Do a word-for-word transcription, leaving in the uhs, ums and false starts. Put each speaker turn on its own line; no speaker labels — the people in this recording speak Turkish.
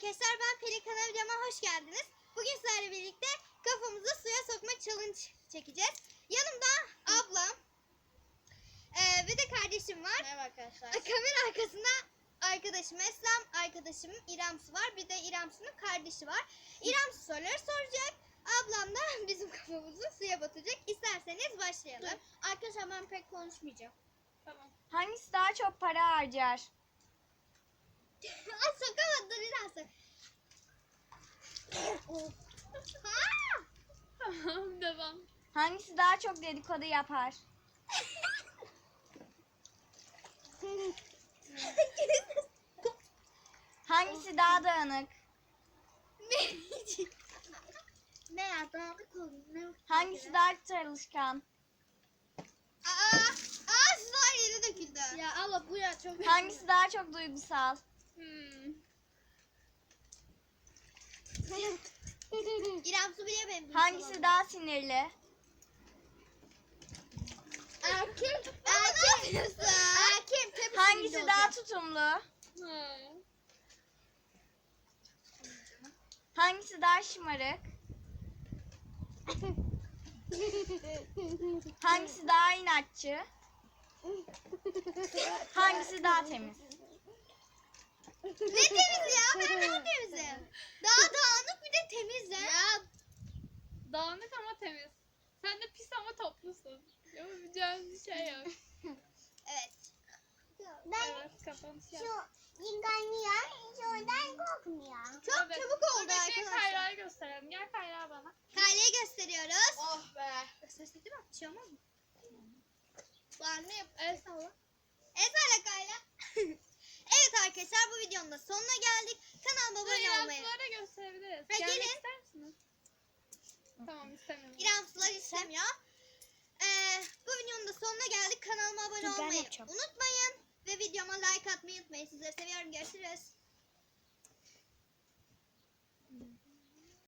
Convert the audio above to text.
arkadaşlar, ben Pelikan videoma hoş geldiniz. Bugün sizlerle birlikte kafamızı suya sokma challenge çekeceğiz. Yanımda ablam e, ve de kardeşim var.
Merhaba arkadaşlar.
Kamera arkasında arkadaşım Eslem, arkadaşım İremsu var. Bir de İremsu'nun kardeşi var. İremsu soruları soracak. Ablam da bizim kafamızı suya batıracak. İsterseniz başlayalım.
Dur. Arkadaşlar ben pek konuşmayacağım.
Tamam.
Hangisi daha çok para harcar?
Ay sokamadım İremsu.
Tamam devam.
Hangisi daha çok dedikodu yapar? Hangisi daha dağınık?
Ne ya? Dağınık oldu. Ne?
Hangisi daha çalışkan?
Aa, aa sular yere döküldü.
Ya abla bu ya çok...
Hangisi daha çok duygusal?
Hmm.
İrem su biliyor benim.
Hangisi daha sinirli?
Erkek. Erkek misin? Erkek. Tabii
Hangisi
sinirli
daha
olacak.
tutumlu?
Ha.
Hangisi daha şımarık? Hangisi daha inatçı? Hangisi daha temiz?
Ne temiz ya? Ben daha temizim. Daha dağınık bir de temizim.
Ya
Dağınık ama temiz. Sen de pis ama toplusun. Yapabileceğin bir şey yok.
Evet.
Evet, kapanış yap.
yıkanıyor, şuradan kokmuyor. Çok
Evet.
çabuk
Dur
oldu
bekleyin,
arkadaşlar.
Kayra'yı gösterelim. Gel Kayra bana.
Kayleyi gösteriyoruz.
oh be.
Gösterseydi mi? Bir şey olmaz mı? Var ne yap?
El salla.
Ezberle Kayla. Evet arkadaşlar, bu videonun da sonuna geldik. Kanalıma
Dur
abone olmayı.
yansılara gösterebiliriz.
Ha,
Gelmek
gelin.
ister misiniz? Tamam istemiyorum.
İrem sular istemiyor. Ee, bu videonun da sonuna geldik. Kanalıma abone
Dur, ben
olmayı
yapacağım.
unutmayın. Ve videoma like atmayı unutmayın. Sizleri seviyorum. Görüşürüz.